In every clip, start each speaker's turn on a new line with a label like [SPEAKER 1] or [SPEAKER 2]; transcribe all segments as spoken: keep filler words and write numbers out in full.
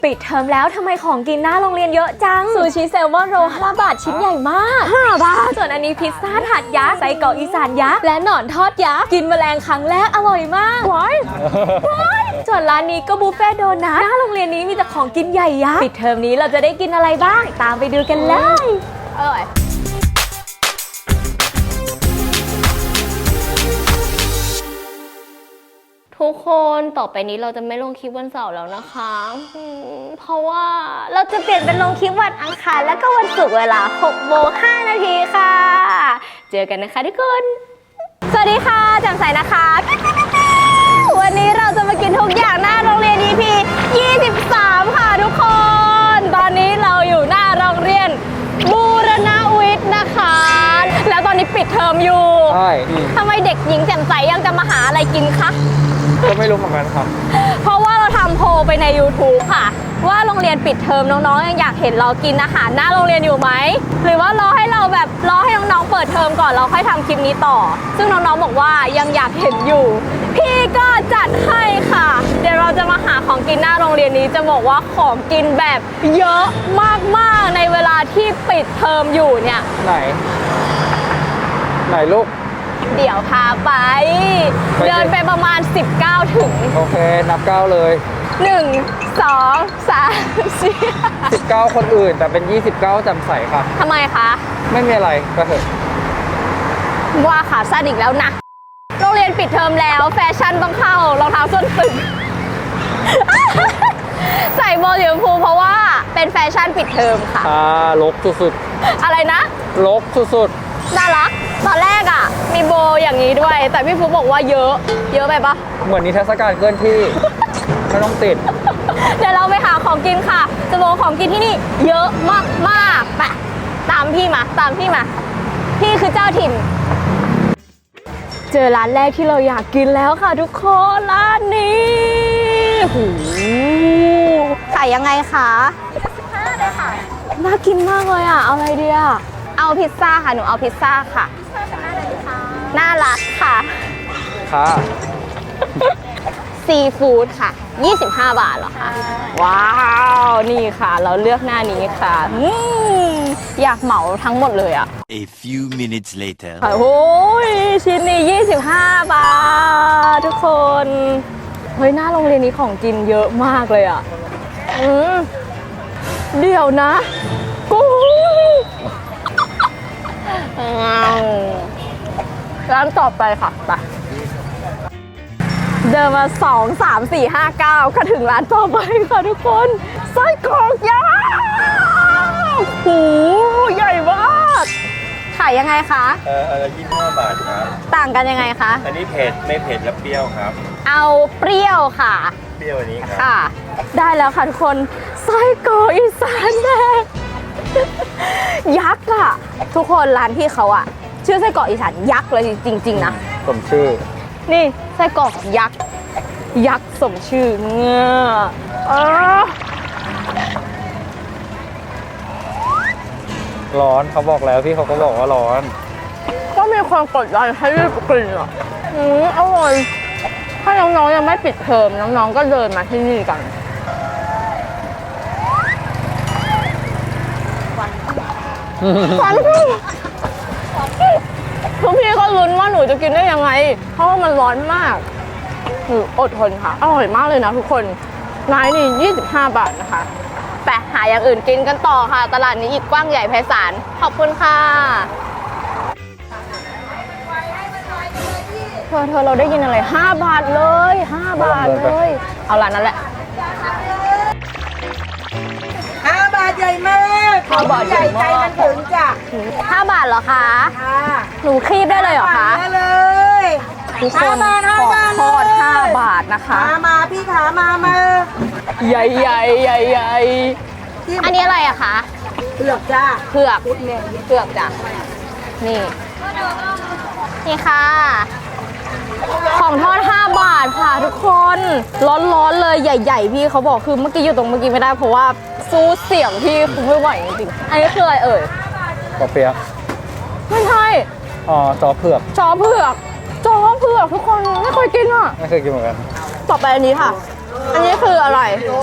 [SPEAKER 1] ปิดเทอมแล้วทำไมของกินหน้าโรงเรียนเยอะจังซูชิแซลมอนโรลห้าบาทชิ้นใหญ่มากห้าบาทส่วนอันนี้พิซซ่าถาดยักษ์ไส้กรอกอีสานยักษ์และหนอนทอดยักษ์กินแมลงครั้งแรกอร่อยมากว้ายว้ายส่วนร้านนี้ก็บุฟเฟ่โดนัทหน้าโรงเรียนนี้มีแต่ของกินใหญ่ยักษ์ปิดเทอมนี้เราจะได้กินอะไรบ้างตามไปดูกันเลยอร่อยทุกคนต่อไปนี้เราจะไม่ลงคลิปวันเสาร์แล้วนะคะเพราะว่าเราจะเปลี่ยนเป็นลงคลิปวันอังคารแล้วก็วันศุกร์เวลาหกโมงห้านาทีค่ะเจอกันนะคะทุกคนสวัสดีค่ะแจ่มใสนะคะวันนี้เราจะมากินทุกอย่างหน้าโรงเรียน อี พี ยี่สิบสามค่ะทุกคนตอนนี้เราอยู่หน้าโรงเรียนบูรณวิทย์นะคะแล้วตอนนี้ปิดเทอมอยู่
[SPEAKER 2] ใช่
[SPEAKER 1] ทำไมเด็กหญิงแจ่มใสยังจะมาหาอะไรกินคะ
[SPEAKER 2] ก็ไม่รู้เหมือนกันครับ
[SPEAKER 1] เพราะว่าเราทำโพลไปใน ยูทูบ ค่ะว่าโรงเรียนปิดเทอมน้องๆยังอยากเห็นเรากินอาหารหน้าโรงเรียนอยู่ไหมหรือว่ารอให้เราแบบรอให้น้องๆเปิดเทอมก่อนเราค่อยทำคลิปนี้ต่อซึ่งน้องๆบอกว่ายังอยากเห็นอยู่พี่ก็จัดให้ค่ะเดี๋ยวเราจะมาหาของกินหน้าโรงเรียนนี้จะบอกว่าของกินแบบเยอะมากๆในเวลาที่ปิดเทอมอยู่เนี่ย
[SPEAKER 2] ไหนไหนลูก
[SPEAKER 1] เดี๋ยวพาไปเดินไปประมาณสิบเก้าถึง
[SPEAKER 2] โอเคนับเก้าเลย
[SPEAKER 1] หนึ่ง สอง สาม สี่
[SPEAKER 2] สิบเก้าคนอื่นแต่เป็นยี่สิบเก้าจำใสค่ะ
[SPEAKER 1] ทำไมคะ
[SPEAKER 2] ไม่มีอะไรก็เถอะ
[SPEAKER 1] ว่าขาสั้นอีกแล้วนะโรงเรียนปิดเทอมแล้วแฟชั่นต้องเข้ารองเท้าส้นตึง ใส่โบสีชมพูเพราะว่าเป็นแฟชั่นปิดเทอมค่ะ
[SPEAKER 2] อ่าลกสุด
[SPEAKER 1] ๆอะไรนะ
[SPEAKER 2] ลกสุด
[SPEAKER 1] ๆน่ารักตอนแรกอ่ะมีโบอย่างนี้ด้วยแต่พี่ฟุ๊กบอกว่าเยอะเยอะไปปะ
[SPEAKER 2] เหมือนนิทรรศการเคลื่อนที่ ไม่ต้องติด
[SPEAKER 1] เดี๋ยวเราไปหาของกินค่ะจะบอกของกินที่นี่เยอะมากมากไปตามพี่มาตามพี่มาพี่คือเจ้าถิ่นเจอร้านแรกที่เราอยากกินแล้วค่ะทุกคนร้านนี้หูขายยังไงคะสิบห้าเลยค่ะน่ากินมากเลยอ่ะเอาอะไรดีอ่ะเอาพิซซ่าค่ะหนูเอาพิซซ่าค่ะพิซซ่าเป็นหน้าอะไรดีคะน่ารักค่ะ
[SPEAKER 2] ค่ะ
[SPEAKER 1] ซีฟู้ดค่ะยี่สิบห้าบาทเหรอคะว้าวนี่ค่ะเราเลือกหน้านี้ค่ะอยากเหมาทั้งหมดเลยอ่ะ
[SPEAKER 3] A few minutes later
[SPEAKER 1] โอ้ยชิ้นนี้ยี่สิบห้าบาททุกคนเฮ้ยหน้าโรงเรียนนี้ของกินเยอะมากเลยอ่ะอืมเดี๋ยวนะกูร้านต่อไปค่ะไปเดินมาสองสามสี่ห้าเก้าก็ถึงร้านต่อไปค่ะทุกคนไส้กรอกยักษ์โอ้โหใหญ่มากขายยังไงคะ
[SPEAKER 4] เออเออยี่สิบห้าบาทครับ
[SPEAKER 1] ต่างกันยังไงคะ
[SPEAKER 4] อันนี้เผ็ดไม่เผ็ดและเปรี้ยวครับ
[SPEAKER 1] เอาเปรี้ยวค่ะ
[SPEAKER 4] เปรี้ยวอันนี้ครับ
[SPEAKER 1] ค่ะได้แล้วค่ะทุกคนไส้กรอกอีสานแดงยักษ์อะทุกคนร้านพี่เขาอะชื่อไส้กรอกอีสานยักษ์เลยจริงๆนะ
[SPEAKER 2] สมชื่อ
[SPEAKER 1] นี่ไส้กรอกยักษ์ยักษ์สมชื่อเงี้ย
[SPEAKER 2] ร้อนเขาบอกแล้วพี่เขาก็บอกว่าร้อน
[SPEAKER 1] ก็มีความกดดันให้รีบกินอ่ะอืมอร่อยถ้าน้องๆยังไม่ปิดเทอมน้องๆก็เดินมาที่นี่กันฟันพี่ทุกพี่ก็ลุ้นว่าหนูจะกินได้ยังไงเพราะว่ามันร้อนมากหนูอดทนค่ะอร่อยมากเลยนะทุกคนร้านนี้ยี่สิบห้าบาทนะคะไปหาอย่างอื่นกินกันต่อค่ะตลาดนี้อีกกว้างใหญ่ไพศาลขอบคุณค่ะเธอเธอเราได้ยินอะไรห้าบาทเลยห้าบาทเลยเอาร้านนั้นแหละ
[SPEAKER 5] ห้าบาทใหญ่มาก
[SPEAKER 1] ห้าบาทใหญ่ใจมันถึงจ้ะห้าบาทเหรอคะหนูคีบได้เลยเหรอคะ
[SPEAKER 5] ได้เลย
[SPEAKER 1] ทุกคนขอทอดห้าบาทนะคะ
[SPEAKER 5] มามาพี่ขามามา
[SPEAKER 1] ใหญ่ใหญ่ใหญ่ใหญ่อันนี้อะไรอะคะ
[SPEAKER 5] เผือกจ้า
[SPEAKER 1] เผือกเผือกจ้ะนี่นี่ค่ะของทอดห้าบาทค่ะทุกคนร้อนๆเลยใหญ่ๆพี่เขาบอกคือเมื่อกี้อยู่ตรงเมื่อกี้ไม่ได้เพราะว่าสู้เสียงพี่คือไม่ไหวจริงๆอันนี้คืออะไรเอ่ย
[SPEAKER 2] กาเปียก
[SPEAKER 1] ไม่ใช่
[SPEAKER 2] อ๋อจอเผือก
[SPEAKER 1] จอเผือกจอเผือกทุกคนไม่เคยกินอ่ะ
[SPEAKER 2] ไม่เคยกินเหมือนกัน
[SPEAKER 1] ต่อไปอันนี้ค่ะอันนี้คืออะไร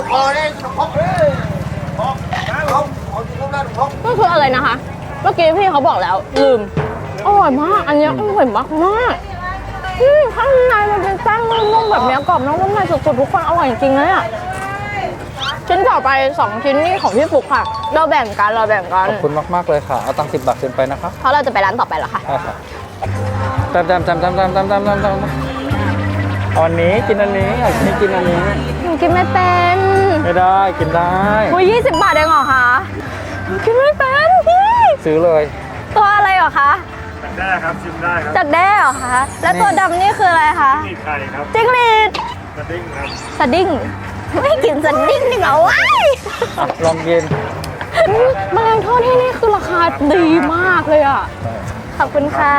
[SPEAKER 1] ก็คืออะไรนะคะ เมื่อกี้พี่เขาบอกแล้วลืมอร่อยมาก อันนี้อร่อยมากมากอืมข้างในมันเป็นแป้งนุ่มๆแบบเนี้ยกรอบนอกนุ่มในสุดๆทุกคนอร่อยจริงๆเลยอ่ะชิ้นต่อไปสองชิ้นนี่ของพี่ฟุกค่ะ เราแบ่งกันเราแบ่งกัน
[SPEAKER 2] ขอบคุณมากๆเลยค่ะ เอาตังค์สิบบาทเซ็นไปนะคะ
[SPEAKER 1] เพราะเราจะไปร้านต่อไปเหรอคะ
[SPEAKER 2] ใช่ค่ะจำจำจำจำจำจำจำจำจำเอาอันนี้กินอันนี้อยากกินกินอันนี้
[SPEAKER 1] หนูกินไม่เป็น
[SPEAKER 2] ไม่ได้กินได้
[SPEAKER 1] อุ้ยยี่สิบบาทเองเหรอคะหนูกินไม่เป็นพี่
[SPEAKER 2] ซื้อเลย
[SPEAKER 1] ตัวอะไรเหรอคะ
[SPEAKER 4] ได้ครับชิมได้ครับ
[SPEAKER 1] จัดแด้เหรอคะ แล้วตัวดำนี่คืออะไรคะ
[SPEAKER 4] นี่ไข่ครับ
[SPEAKER 1] จิ้งหรีด
[SPEAKER 4] สดิ้งครับ
[SPEAKER 1] สดิ้งไม่กินสดิ้งนี่เหรอวะ
[SPEAKER 2] อ่ะลองกิน
[SPEAKER 1] แมลงทอดที่นี่คือราคาดีมากเลยอ่ะ ขอบคุณค่ะ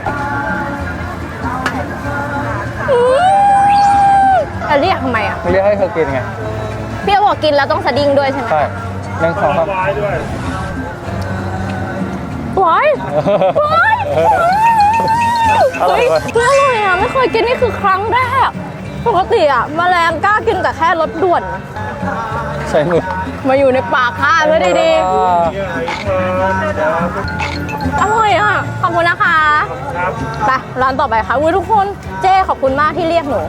[SPEAKER 1] อืมจะเรียกทำไมอ่ะ
[SPEAKER 2] ไม่เรียกให้เธอกินไง
[SPEAKER 1] พี่บอกกินแล้วต้องสดิ้งด้วยใช่ไหม
[SPEAKER 2] ใช่หนึ่งสองสาม
[SPEAKER 4] วายด้วย
[SPEAKER 1] ว้ายว้าย
[SPEAKER 2] อร่อย
[SPEAKER 1] เฮ้ย
[SPEAKER 2] เว้ย
[SPEAKER 1] เฮ้ยอร่อยอ่ะ ไม่เคยกินนี่คือครั้งแรก ปกติอ่ะแมลงกล้ากินแต่แค่รสด่วน
[SPEAKER 2] ใส่มือ
[SPEAKER 1] มาอยู่ในปากข้าเพื่อดี
[SPEAKER 2] อ่า
[SPEAKER 1] ๆ อร่อยอ่ะ ขอบคุณนะคะ
[SPEAKER 4] ครับ
[SPEAKER 1] ไปร้านต่อไปค่ะอุ้ยทุกคนเจ้ขอบคุณมากที่เรียกหนู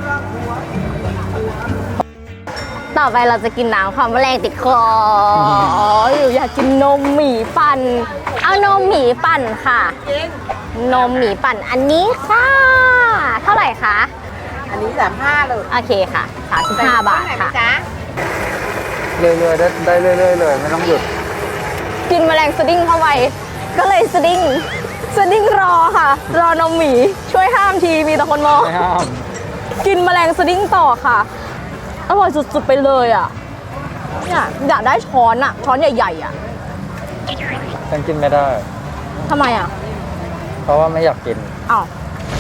[SPEAKER 1] ต่อไปเราจะกินน้ำความแมลงติดคออยู่อยากกินนมหมี่ปั่น เอานมหมี่ปั่นค่ะ นมหมี่ปั่นอันนี้ค่ะ เท่าไหร่คะ
[SPEAKER 5] อันนี้สามห้าเลย
[SPEAKER 1] โอเคค่ะสามสิบห้าบาทค่ะ
[SPEAKER 5] จ๊ะ
[SPEAKER 2] เรื่อยๆได้ได้เรื่อยๆเลยไม่ต้องหยุด
[SPEAKER 1] กินแมลงสดิ้งเข้าไปก็เลยสดิ้งสดิ้งรอค่ะ รอนมหมีช่วยห้ามทีมีแต่คนมอง
[SPEAKER 2] ไม่ห้าม
[SPEAKER 1] กินแมลงสดิ้งต่อค่ะ อร่อยสุดๆไปเลยอ่ะเนี่ยอยากได้ช้อนอ่ะ ช้อนใหญ่ๆอ่ะ
[SPEAKER 2] ฉันกินไม่ได้
[SPEAKER 1] ทำไมอ่ะ
[SPEAKER 2] เพราะว่าไม่อยากกิน
[SPEAKER 1] อ้าว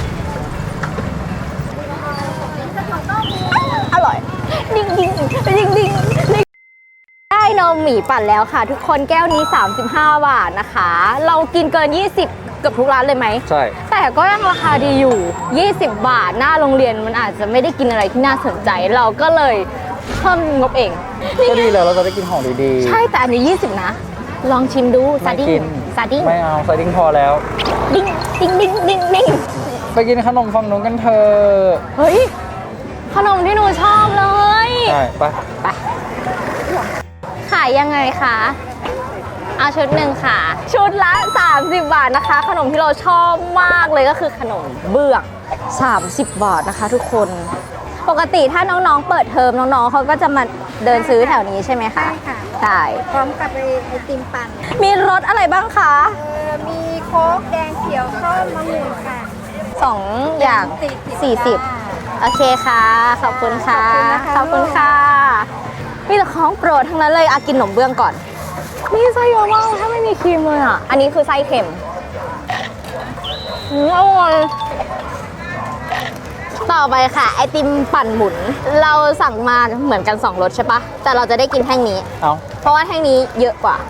[SPEAKER 1] อร่อย ดิ้งดิ้งดิ้งดิ้งดิ้งได้นมหมี่ปั่นแล้วค่ะ ทุกคนแก้วนี้ สามสิบห้า บาทนะคะ เรากินเกิน ยี่สิบเกือบทุกร้านเลยไหม
[SPEAKER 2] ใช่
[SPEAKER 1] แต่ก็ยังราคาดีอยู่ ยี่สิบ บาท หน้าโรงเรียนมันอาจจะไม่ได้กินอะไรที่น่าสนใจ เราก็เลยเพิ่มงบเอง
[SPEAKER 2] ก็ดีแล้วเราจะได้กินของดีๆ
[SPEAKER 1] ใช่แต่อันนี้ ยี่สิบ นะ ลองชิมดูซา
[SPEAKER 2] ไม่
[SPEAKER 1] ดิ้
[SPEAKER 2] กิ
[SPEAKER 1] ง
[SPEAKER 2] น
[SPEAKER 1] ซาดิ้ง
[SPEAKER 2] ไม่เอาไซดิ้งพอแล้ว
[SPEAKER 1] ดิ้งดิ้งดิ้งดิ้งดิ้ง
[SPEAKER 2] ไปกินขนมฝั่งนู้นกันเถอะ
[SPEAKER 1] เฮ้ย ขนมที่หนูชอบเลย
[SPEAKER 2] ใช่ไป
[SPEAKER 1] ไป ขายยังไงคะ เอาชุดหนึ่งค่ะ ชุดละ สามสิบ บาทนะคะ ขนมที่เราชอบมากเลยก็คือขนมเบื้องสามสิบ บาทนะคะทุกคน ปกติถ้าน้องๆ เปิดเทอมน้องๆเขาก็จะมาเดินซื้อแถวนี้ใช่ไหมคะ
[SPEAKER 6] ใช่ค่ะ
[SPEAKER 1] ใช่
[SPEAKER 6] พร้อมกับไอไอติมปั่น
[SPEAKER 1] มีรสอะไรบ้างคะ
[SPEAKER 6] เออมีโค้กแดงเขียวส้มมะม่วงค่ะ
[SPEAKER 1] สองอย่าง
[SPEAKER 6] สี่
[SPEAKER 1] สี่สิบ
[SPEAKER 6] จ้า
[SPEAKER 1] โอเคค่ะ ขอบคุณค่ะ ข
[SPEAKER 6] ข
[SPEAKER 1] อ
[SPEAKER 6] อ
[SPEAKER 1] บบ
[SPEAKER 6] คุ
[SPEAKER 1] คุณ
[SPEAKER 6] ณ
[SPEAKER 1] ค่ะ
[SPEAKER 6] ค่ะ
[SPEAKER 1] มีแต่ของโปรดทั้งนั้นเลยอากินขนมเบื้องก่อน นี่ไส้เยอะมากถ้าไม่มีครีมเลยอ่ะ อันนี้คือไส้เค็มอืมอร่อยต่อไปค่ะ ไอติมปั่นหมุน เราสั่งมาเหมือนกันสองรสใช่ปะแต่เราจะได้กินแท่งนี้
[SPEAKER 2] เอา
[SPEAKER 1] เพราะว่าแท่งนี้เยอะกว่า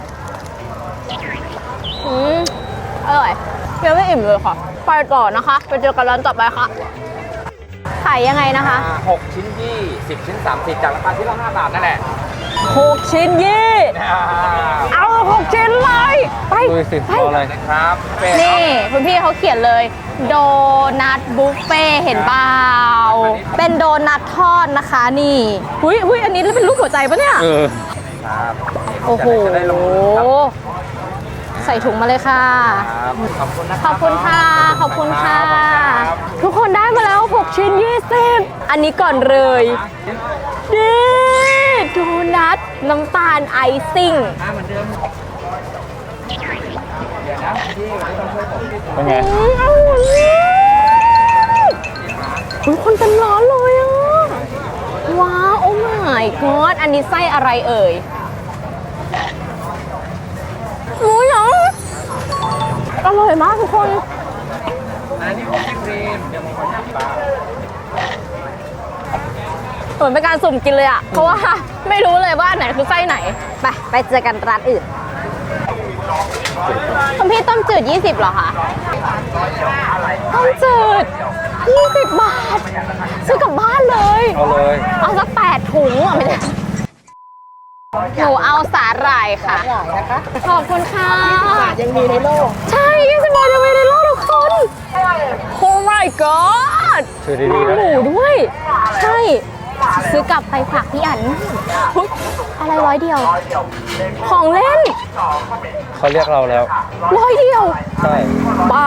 [SPEAKER 1] อืมอร่อยยังไม่อิ่มเลยค่ะ ไปต่อนะคะ ไปเจอกันร้านต่อไปค่ะ ขายยังไงนะคะ
[SPEAKER 7] หกชิ้นยี่สิบชิ้นสามสิบจากราคาชิ้นละห้าบาทนั่นแหละ
[SPEAKER 1] หกชิ้นยี่ เอาหกชิ้นเลย ไป
[SPEAKER 2] ดูสิ
[SPEAKER 1] ไป
[SPEAKER 2] เอาอะไร
[SPEAKER 7] นะครับเป็น
[SPEAKER 1] นี่คุณพี่เขาเขียนเลย โดนัทบุฟเฟ่เห็นเปล่าเป็นโดนัททอดนะคะนี่หุ้ยหุ้ยอันนี้เป็นรูปหัวใจปะเนี่ย
[SPEAKER 2] เออ
[SPEAKER 7] ครับ
[SPEAKER 1] โอ้โห
[SPEAKER 7] จะได้ลงมือครับ
[SPEAKER 1] ใส่ถุงมาเลยค่ะ
[SPEAKER 7] ครับขอบคุณนะ
[SPEAKER 1] ขอบคุณค่ะ ขอบคุณค่ะ
[SPEAKER 7] รับ
[SPEAKER 1] ทุกคนได้มาแล้ว หก ชิ้น ยี่สิบ อันนี้ก่อนเลยนี่โดนัทน้ำตาลไอซิ่ง
[SPEAKER 2] เป็นไง
[SPEAKER 1] อืมอร่อยอุ๊ยคนเป็นร้อนเลยอ่ะ ว้าว โอ้ my god อันนี้ไส้อะไรเอ่ยหมูหยองอร่อยมากทุกคน
[SPEAKER 7] อันนี้ผมครีมเดี๋ยวผมขอชิมปลา
[SPEAKER 1] เหมือนเป็นการสุ่มกินเลยอ่ะ เพราะว่าไม่รู้เลยว่าอันไหนคือไส้ไหน ไป ไปเจอกันร้านอื่นคุณพี่ต้มจืด ยี่สิบเหรอคะ ต้มจืดยี่สิบบาท ซื้อกลับบ้านเลย
[SPEAKER 2] เอาเลย
[SPEAKER 1] เอาสักแปดถุงอ่ะไม่ได้หนูเอาสาหร่ายค่ะ
[SPEAKER 5] หลายนะคะ
[SPEAKER 1] ขอบคุณค่ะ
[SPEAKER 5] บาทยังมีในโลก
[SPEAKER 1] ใช่ยี่สิบบาทยังมีในโลกทุกคน โอ้ my god
[SPEAKER 2] ถือดีๆนะ
[SPEAKER 1] หมูด้วย ใช่ ซื้อกลับไปฝากพี่อันเฮ้ยอะไรร้อยเดียว ของเล่น
[SPEAKER 2] เขาเรียกเราแล้ว
[SPEAKER 1] ร้อยเดียว
[SPEAKER 2] ใช่
[SPEAKER 1] บ้า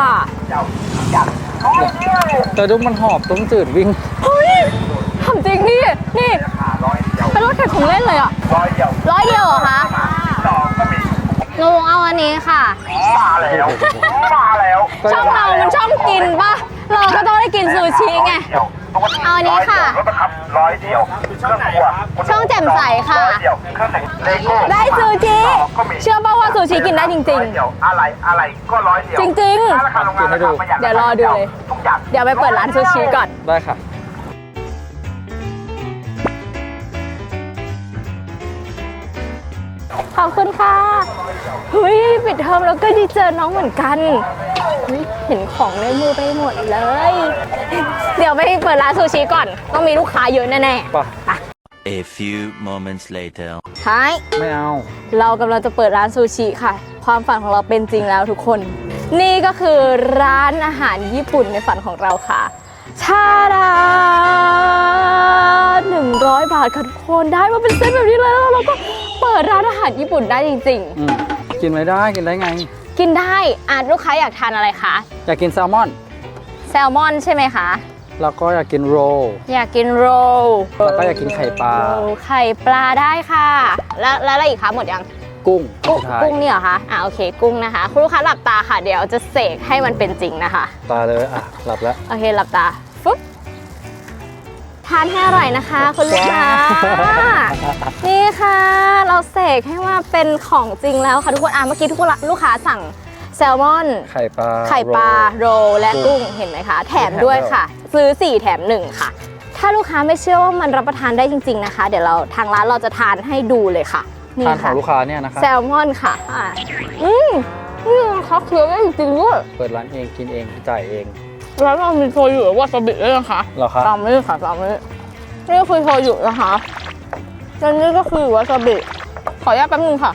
[SPEAKER 2] แต่ดูมันหอบต้มจืดวิ่ง
[SPEAKER 1] เฮ้ยทำจริงนี่ นี่ เป็นรถแข่งของเล่นเลยอ่ะ ร้อยเดียวเหรอคะหนูเอาอันนี้ค่ะ ช่องเรามันช่องกินป่ะ เราก็ต้องได้กินซูชิไง เอาอันนี้ค่ะ
[SPEAKER 4] ร้อยเดียวช่องไหนครับ
[SPEAKER 1] ช่องแจ่มใสค่ะ
[SPEAKER 4] เดียวเครื่องแต่งเลโก้
[SPEAKER 1] ได้ซูชิ เชื่อป่ะว่าซูชิกินได้จริง
[SPEAKER 4] เดียวอะไรอะไรก็ร้อยเดียว
[SPEAKER 1] ๆ จริง
[SPEAKER 4] ราคาโรงงานราคาประหยัด
[SPEAKER 1] ๆ เดี๋ยวรอดูเลย
[SPEAKER 4] ทุกอย่าง
[SPEAKER 1] เดี๋ยวไปเปิดร้านซูชิก่อน
[SPEAKER 2] ได้ค่ะ
[SPEAKER 1] ขอบคุณค่ะ เฮ้ยปิดเทอมแล้วก็ได้เจอน้องเหมือนกันเฮ้ยเห็นของในมือไปหมดเลย เดี๋ยวไปเปิดร้านซูชิก่อน ต้องมีลูกค้าเยอะแน่ๆ
[SPEAKER 2] ป่ะ
[SPEAKER 1] ไป
[SPEAKER 3] A few moments later.
[SPEAKER 1] ท้าย
[SPEAKER 2] ไม่เอา
[SPEAKER 1] เรากำลังจะเปิดร้านซูชิค่ะ ความฝันของเราเป็นจริงแล้วทุกคน นี่ก็คือร้านอาหารญี่ปุ่นในฝันของเราค่ะ ชาดาหนึ่งร้อยบาทค่ะทุกคนได้มาเป็นเซตแบบนี้เลยแล้วเราก็เปิดร้านอาหารญี่ปุ่นได้จริง
[SPEAKER 2] อืมกินไม่ได้กินได้ไง
[SPEAKER 1] ๆ กินได้อ่ะลูกค้าอยากทานอะไรคะ
[SPEAKER 2] อยากกินแซลมอน
[SPEAKER 1] แซลมอนใช่ไหมคะ
[SPEAKER 2] แล้วก็อยากกินโรล
[SPEAKER 1] อยากกินโรล
[SPEAKER 2] แล้วก็อยากกินไข่ปลา
[SPEAKER 1] โรลไข่ปลาได้ค่ะ แล้วแล้วอะไรอีกคะหมดยัง
[SPEAKER 2] กุ้ง
[SPEAKER 1] กุ้ง
[SPEAKER 2] สุดท้าย
[SPEAKER 1] กุ้งนี่เหรอคะ อ่าโอเค กุ้งนะคะ คุณลูกค้าหลับตาค่ะ เดี๋ยวจะเสกให้มันเป็นจริงนะคะ
[SPEAKER 2] ตาเลยอ่ะ หลับแล้ว
[SPEAKER 1] โอเค หลับตาฟุ๊บทานให้อร่อยนะคะ คุณลูกค้า นี่ค่ะ เราเสกให้ว่าเป็นของจริงแล้วค่ะทุกคน อ่ะเมื่อกี้ทุกคนลูกค้าสั่งแซลมอน
[SPEAKER 2] ไข่ปลา
[SPEAKER 1] ไข่ปลา
[SPEAKER 2] โรล
[SPEAKER 1] โรลและกุ้ง เห็นไหมคะ แถมด้วยค่ะ ซื้อสี่แถมหนึ่งค่ะ ถ้าลูกค้าไม่เชื่อว่ามันรับประทานได้จริง ๆนะคะ เดี๋ยวเราทางร้านเราจะทานให้ดูเลยค่ะ นี่
[SPEAKER 2] ทานขอ
[SPEAKER 1] ค่ะ
[SPEAKER 2] งลูกค้าเนี่ยนะคะ
[SPEAKER 1] แซลมอนค่ะอ่ะอืมอืมเขาเคี้ยวได้จริงๆด้วย
[SPEAKER 2] เปิดร้านเองกินเองจ่ายเอง
[SPEAKER 1] แล้วเรามีโชยุวาซาบิด้วยนะคะ
[SPEAKER 2] เหรอคะ
[SPEAKER 1] ตามนี้ค่ะตามนี้นี่คือโชยุนะคะแล้วนี่ก็คือวาซาบิ ขออนุญาตแป๊บนึงค่ะ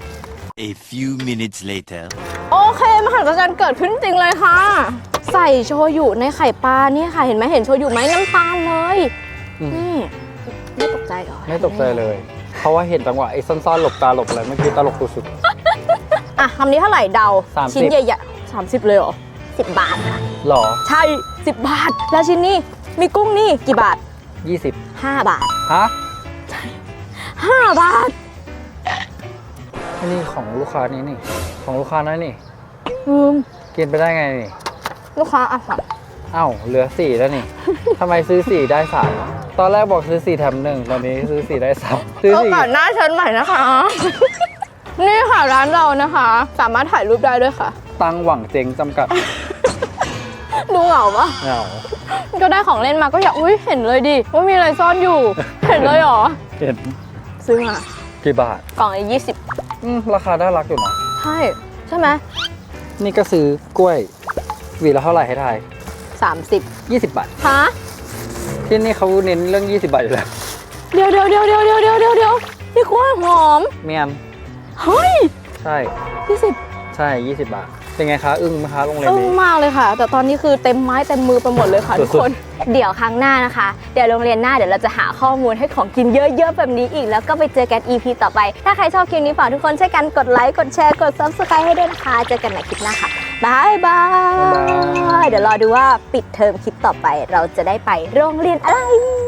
[SPEAKER 3] A few minutes later.
[SPEAKER 1] โอเคมหัศจรรย์เกิดขึ้นจริงเลยค่ะ ใส่โชยุในไข่ปลาเนี่ยค่ะ เห็นไหมเห็นโชยุไหมน้ำตาลเลย
[SPEAKER 2] อืม
[SPEAKER 1] นี่ไม่ตกใจเหรอ
[SPEAKER 2] ไม่ตกใจเลย เพราะว่าเห็นจังหวะไอ้ซ่อนๆหลบตาหลบอะไรเมื่อกี้ตลกสุด
[SPEAKER 1] อ่ะคำนี้เท่าไหร่เดา
[SPEAKER 2] สามสิบ
[SPEAKER 1] ชิ้นใหญ่ๆสามสิบเลยเหรอสิบบาทค่ะ
[SPEAKER 2] ๆหรอ
[SPEAKER 1] ใช่สิบบาท แล้วชิ้นนี้มีกุ้งนี่กี่บาท
[SPEAKER 2] ยี่สิบ
[SPEAKER 1] ห้าบาท
[SPEAKER 2] ฮะ
[SPEAKER 1] ห้าบาท
[SPEAKER 2] อันนี้ของลูกค้านี้นี่ ของลูกค้านั้นนี่
[SPEAKER 1] อืม
[SPEAKER 2] กินไปได้ไงนี่
[SPEAKER 1] ลูกค้าอ่ะค่ะ
[SPEAKER 2] อ้าวเหลือสี่แล้วนี่ ทำไมซื้อสี่ได้สามตอนแรกบอกซื้อสี่แถมหนึ่งตอนนี้ซื้อสี่ได้สามซื้อ
[SPEAKER 1] โอ
[SPEAKER 2] สี่
[SPEAKER 1] กาสหน้าเชิญใหม่นะคะ นี่ค่ะร้านเรานะคะ สามารถถ่ายรูปได้ด้วยค่ะ
[SPEAKER 2] ตังหวังเจ๊งจำกัด
[SPEAKER 1] ดูเหงาปะ
[SPEAKER 2] เหงา
[SPEAKER 1] ก็ได้ของเล่นมาก็อยากอุ้ยเห็นเลยดิว่ามีอะไรซ่อนอยู่ เห็นเลยเหรอ
[SPEAKER 2] เห็น
[SPEAKER 1] ซื้อมา
[SPEAKER 2] กี่บาท
[SPEAKER 1] กล่องละยี่สิบ
[SPEAKER 2] อืมราคาน่ารักอยู่นะ
[SPEAKER 1] ใช่ ใช่ไหม
[SPEAKER 2] นี่ก็ซื้อกล้วยหวีละเท่าไหร่ให้ทาย
[SPEAKER 1] สามสิบ
[SPEAKER 2] ยี่สิบบาท
[SPEAKER 1] ฮะ
[SPEAKER 2] ที่นี่เขาเน้นเรื่องยี่สิบบาทอยู่แล้ว
[SPEAKER 1] เดี๋ยวเดี๋ยวเดี๋ยวเดี๋ยวเดี๋ยวเดี๋ยวเดี๋ยวเดี๋ยวนี่กล้วยหอม
[SPEAKER 2] เมียม
[SPEAKER 1] เฮ้ย
[SPEAKER 2] ใช่
[SPEAKER 1] ยี่สิบ
[SPEAKER 2] ใช่ยี่สิบบาท เป็นไงคะ อึ้งไหมคะโรงเรียน
[SPEAKER 1] อึ้ง
[SPEAKER 2] นี้
[SPEAKER 1] มากเลยค่ะ แต่ตอนนี้คือเต็มไม้เต็มมือไปหมดเลยค่ะทุกคน เดี๋ยวครั้งหน้านะคะ เดี๋ยวโรงเรียนหน้าเดี๋ยวเราจะหาข้อมูลให้ของกินเยอะๆแบบนี้อีก แล้วก็ไปเจอกัน อี พี ต่อไป ถ้าใครชอบคลิปนี้ฝากทุกคนช่วยกันกดไลค์ กดแชร์ กด ซับสไครบ์ ให้ด้วยนะคะ เจอกันใหม่คลิปหน้าค่ะบายบาย เดี๋ยวรอดูว่าปิดเทอมคลิปต่อไป เราจะได้ไปโรงเรียนอะไร